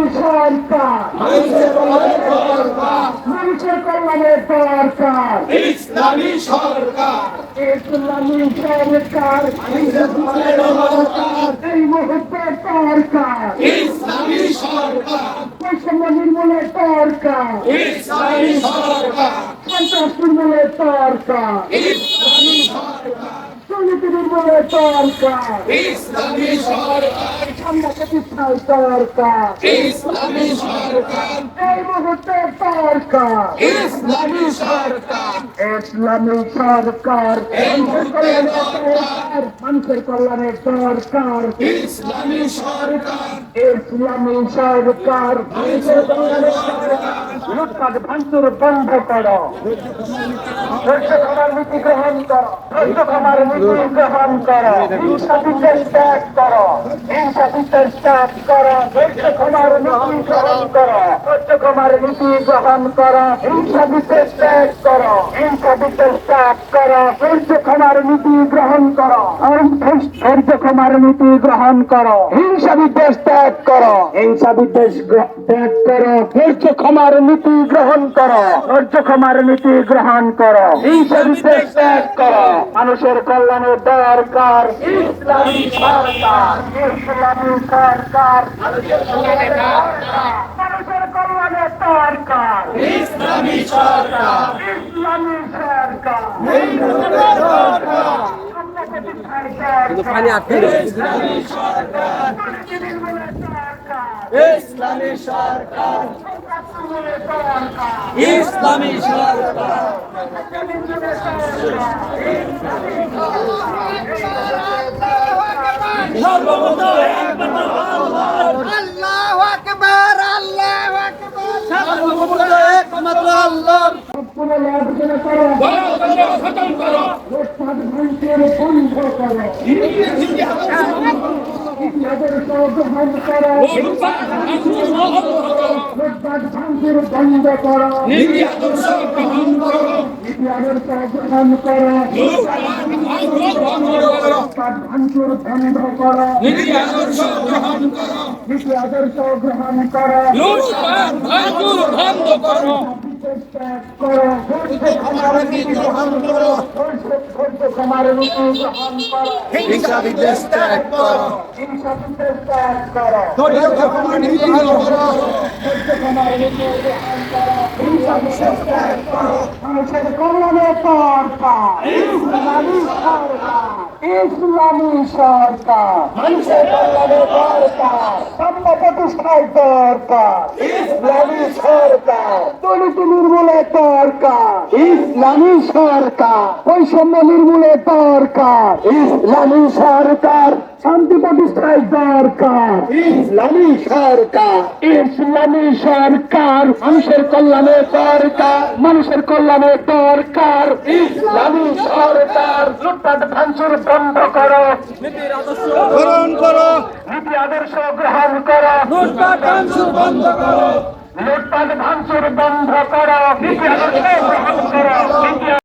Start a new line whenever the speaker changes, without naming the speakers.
সরকার মানুষের কল্যাণে সরকার
ইসলামী সরকার
ইসলামী সরকার এই মুহূর্তে সরকার
ইসলামী সরকার
বৈষম্য নির্মূলে সরকার
ইসলামী সরকার
সন্ত্রাস নির্মূলে সরকার
ইসলামী সরকার
দুর্নীতি নির্মূলে সরকার
ইসলামী সরকার
ঠান্ডা প্রতিষ্ঠায় সরকার
ইসলামী সরকার
এই মুহূর্তে সরকার
ইসলামী সরকার
ইসলামী সরকার মানুষের কল্যাণে সরকার
ইসলামী সরকার
ইসলামী সরকার লুটপাট ভাঙচুর বন্ধ করো ধৈর্য ক্ষমার নীতি গ্রহণ করো ধৈর্য ক্ষমার নীতি গ্রহণ করো হিংসা বিদ্বেষ ত্যাগ করো হিংসা বিদ্বেষ ত্যাগ করো ধৈর্য ক্ষমার নীতি গ্রহণ করো ধৈর্য ক্ষমার নীতি গ্রহণ করো হিংসা বিদ্বেষ ত্যাগ করো হিংসা বিদ্বেষ ত্যাগ করো ধৈর্য ক্ষমার নীতি গ্রহণ করো ধৈর্য ক্ষমার নীতি গ্রহণ করো হিংসা বিদ্বেষ ত্যাগ করো হিংসা বিদ্বেষ ত্যাগ করো ধৈর্য ক্ষমার নীতি গ্রহণ করো ধৈর্য ক্ষমার নীতি গ্রহণ করো হিংসা বিদ্বেষ ত্যাগ করো মানুষের কল্যাণে দরকার ইসলামী সরকার ইসলামী সরকার মানুষের কল্যাণে দরকার
ইসলামী সরকার
ইসলামী সরকার
পানি আটকে
ইসলামী সরকার ইসলামী সরকার ইসলামী সরকার
আল্লাহু আকবার আল্লাহু আকবার সর্বপ্রথম একমাত্র আল্লাহ
খতম করো
বন্ধ করো
নীতি আদর্শ গ্রহণ করো
গ্রহণ করো ভাঙচুর বন্ধ করো
নীতি আদর্শ গ্রহণ করো
নীতি আদর্শ গ্রহণ করো
লুটপাট ভাঙচুর বন্ধ করো
ত্যাগ করো ধৈর্য ক্ষমার নীতি গ্রহণ করো ধৈর্য ক্ষমার নীতি গ্রহণ করো
হিংসা বিদ্বেষ ত্যাগ করো
হিংসা বিদ্বেষ ত্যাগ করো
ধৈর্য ক্ষমার নীতি গ্রহণ করো
ধৈর্য ক্ষমার নীতি গ্রহণ করো হিংসা বিদ্বেষ ত্যাগ করো মানুষের কল্যাণে সরকার ইসলামী সরকার ইসলামী সরকার মানুষের কল্যাণে সরকার সাম্য প্রতিষ্ঠায় দরকার ইসলামী সরকার দুর্নীতি নির্মূলে দরকার ইসলামী সরকার বৈষম্য নির্মূলে দরকার ইসলামী সরকার শান্তি প্রতিষ্ঠায় দরকার ইসলামী সরকার ইসলামী সরকার মানুষের কল্যাণে দরকার মানুষের কল্যাণে দরকার ইসলামী সরকার লুটপাট ভাঙচুর বন্ধ করো
গ্রহণ করো
নীতি আদর্শ গ্রহণ করো
লুটপাট ভাঙচুর বন্ধ করো
লুটপাট ভাঙচুর বন্ধ করো নীতি আদর্শ গ্রহণ করো